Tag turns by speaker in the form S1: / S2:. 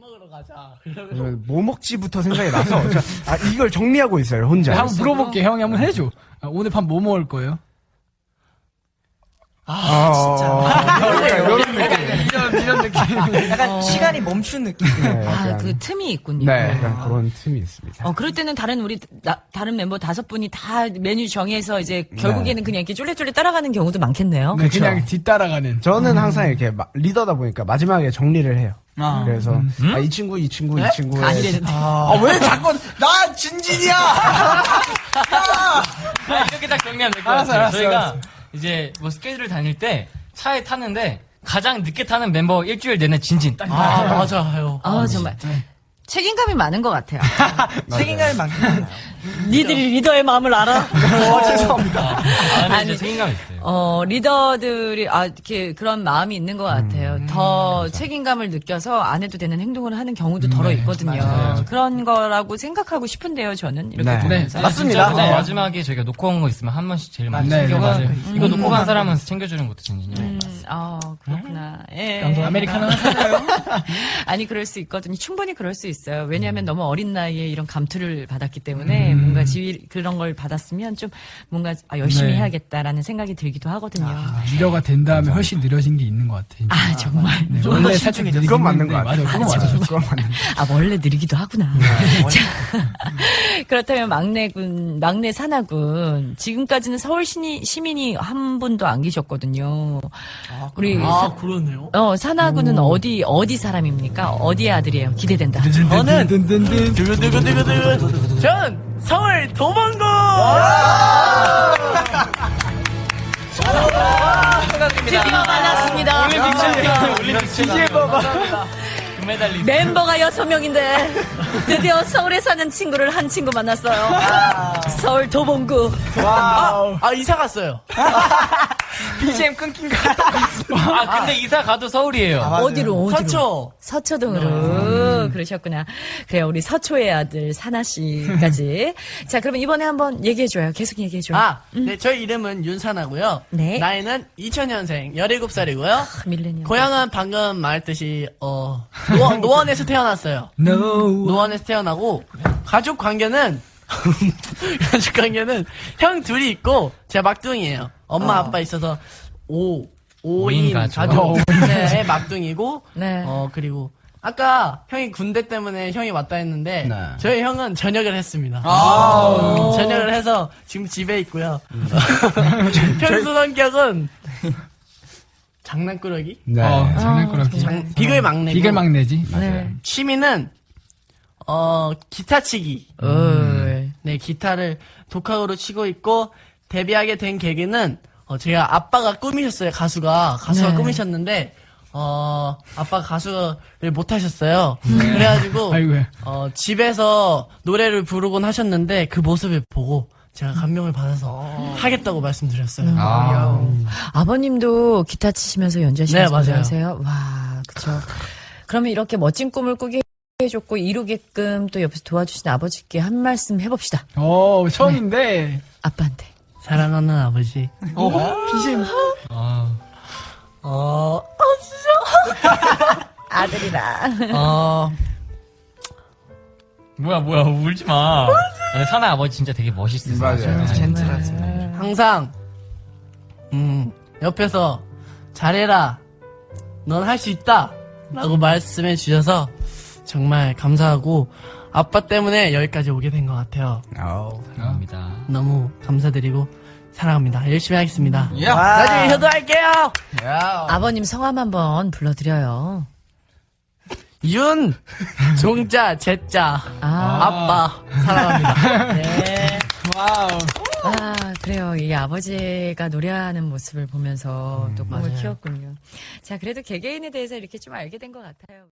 S1: 먹으러 가자.
S2: 그러면 뭐 먹지부터 생각이 나서 이걸 정리하고 있어요 혼자.
S3: 네, 한번 물어볼게. 형이 한번 해줘. 오늘 밤 뭐 먹을 거예요?
S2: 이런 느낌.
S3: 이런 느낌.
S4: 약간 시간이 멈춘 느낌.
S2: 네,
S5: 아,
S2: 약간,
S5: 그 틈이 있군요.
S2: 네, 약간 그런 틈이 있습니다.
S5: 그럴 때는 다른 멤버 5분이 다 메뉴 정해서 이제 결국에는 그냥 이렇게 쫄래쫄래 따라가는 경우도 많겠네요.
S3: 네, 그냥 뒤따라가는.
S2: 저는 항상 이렇게 리더다 보니까 마지막에 정리를 해요.
S3: 아.
S2: 그래서 이 친구의
S5: 아니래는데.
S4: 왜 자꾸 나 진진이야.
S6: 이렇게 딱 정리하면 될 것
S3: 알았어,
S6: 같아요.
S3: 알았어,
S6: 저희가
S3: 알았어.
S6: 이제 뭐 스케줄을 다닐 때 차에 타는데 가장 늦게 타는 멤버 일주일 내내 진진. 딱
S1: 맞아요.
S5: 정말. 책임감이 많은 것 같아요.
S4: 책임감이 많구나.
S5: 니들이 리더의 마음을 알아?
S4: 죄송합니다.
S6: 아니, 진짜 책임감 있어요.
S5: 리더들이, 이렇게 그런 마음이 있는 것 같아요. 더 책임감을 느껴서 안 해도 되는 행동을 하는 경우도 더러 있거든요.
S6: 맞아요.
S5: 그런 거라고 생각하고 싶은데요, 저는. 이렇게
S2: 네.
S5: 보면서.
S2: 맞습니다.
S6: 진짜
S2: 네.
S6: 마지막에 저희가 놓고 온 거 있으면 한 번씩 제일 많이
S3: 네,
S6: 챙겨가지고
S3: 맞아요.
S6: 이거 놓고 간 사람은 챙겨주는 것도 진진이에요.
S5: 그렇구나. 예.
S3: 아메리카노 사줘요?
S5: 아니, 그럴 수 있거든요. 충분히 그럴 수 있어요. 왜냐하면 너무 어린 나이에 이런 감투를 받았기 때문에 뭔가 그런 걸 받았으면 좀 뭔가 열심히
S3: 네.
S5: 해야겠다라는 생각이 들기도 하거든요.
S3: 리더가 된 다음에 훨씬 느려진 게 있는 것 같아.
S5: 정말.
S3: 네, 원래 살짝 느리긴
S2: 그건 맞는 것
S3: 했는데,
S2: 같아요.
S3: 맞아, 그건 맞아.
S2: 그건 맞는 것 같아요.
S5: 원래 느리기도 하구나. 자, 그렇다면 막내 사나군. 지금까지는 서울 시민이 한 분도 안 계셨거든요. 우리
S1: 그러네요.
S5: 사나군은 어디 사람입니까? 어디의 아들이에요? 기대된다.
S1: 저는
S3: 든든든.
S1: 두구두구두구두구. 전 서울 도망고.
S5: 드디어 만났습니다.
S6: 금메달리스트.
S5: 멤버가 6명인데 드디어 서울에 사는 친구를 한 친구 만났어요. 서울 도봉구.
S1: 이사 갔어요.
S4: BGM 끊긴 거.
S6: 근데 이사 가도 서울이에요.
S5: 어디로?
S1: 서초.
S5: 서초동으로 그러셨구나. 그래요, 우리 서초의 아들 사나 씨까지. 자, 그러면 이번에 한번 얘기해줘요. 계속 얘기해줘요.
S1: 네, 저희 이름은 윤사나고요.
S5: 네.
S1: 나이는 2000년생, 17살이고요.
S5: 밀레니엄.
S1: 고향은 방금 말했듯이 노원에서 태어났어요. 노원에서 태어나고 가족 관계는 형 둘이 있고 제가 막둥이에요. 엄마 아빠 있어서 5인 가족. 네, 막둥이고
S5: 네.
S1: 그리고 아까 형이 군대 때문에 형이 왔다 했는데
S2: 네.
S1: 저희 형은 전역을 했습니다. 전역을 해서 지금 집에 있고요. 평소 성격은 장난꾸러기?
S2: 네.
S3: 장난꾸러기.
S1: 비글 막내고
S3: 비글 막내지.
S5: 네.
S1: 취미는 기타 치기. 네, 기타를 독학으로 치고 있고 데뷔하게 된 계기는 제가 아빠가 꿈이셨어요. 가수가
S5: 네.
S1: 꿈이셨는데 아빠 가수를 못 하셨어요. 그래가지고
S3: 아이고야.
S1: 집에서 노래를 부르곤 하셨는데 그 모습을 보고 제가 감명을 받아서 하겠다고 말씀드렸어요.
S5: 아버님도 기타 치시면서 연주하시면서
S1: 네, 맞아요.
S5: 연주하세요? 와, 그쵸. 그러면 이렇게 멋진 꿈을 꾸게 해줬고 이루게끔 또 옆에서 도와주신 아버지께 한 말씀 해봅시다.
S3: 처음인데.
S5: 아빠한테.
S1: 사랑하는 아버지.
S3: BGM.
S5: 아들이라.
S6: 뭐야, 울지 마. 사나 아버지 진짜 되게 멋있으세요.
S2: 맞아요.
S4: 젠틀하지.
S1: 항상 옆에서 잘해라. 넌 할 수 있다. 라고 말씀해 주셔서 정말 감사하고 아빠 때문에 여기까지 오게 된 것 같아요.
S6: 감사합니다.
S1: 너무 감사드리고 사랑합니다. 열심히 하겠습니다.
S4: 야.
S1: 나중에 효도할게요.
S5: 아버님 성함 한번 불러드려요.
S1: 윤, 종자, 제자, 아빠 사랑합니다.
S5: 네.
S3: 와우.
S5: 그래요. 이 아버지가 노래하는 모습을 보면서 또 꿈을 키웠군요. 자, 그래도 개개인에 대해서 이렇게 좀 알게 된 것 같아요.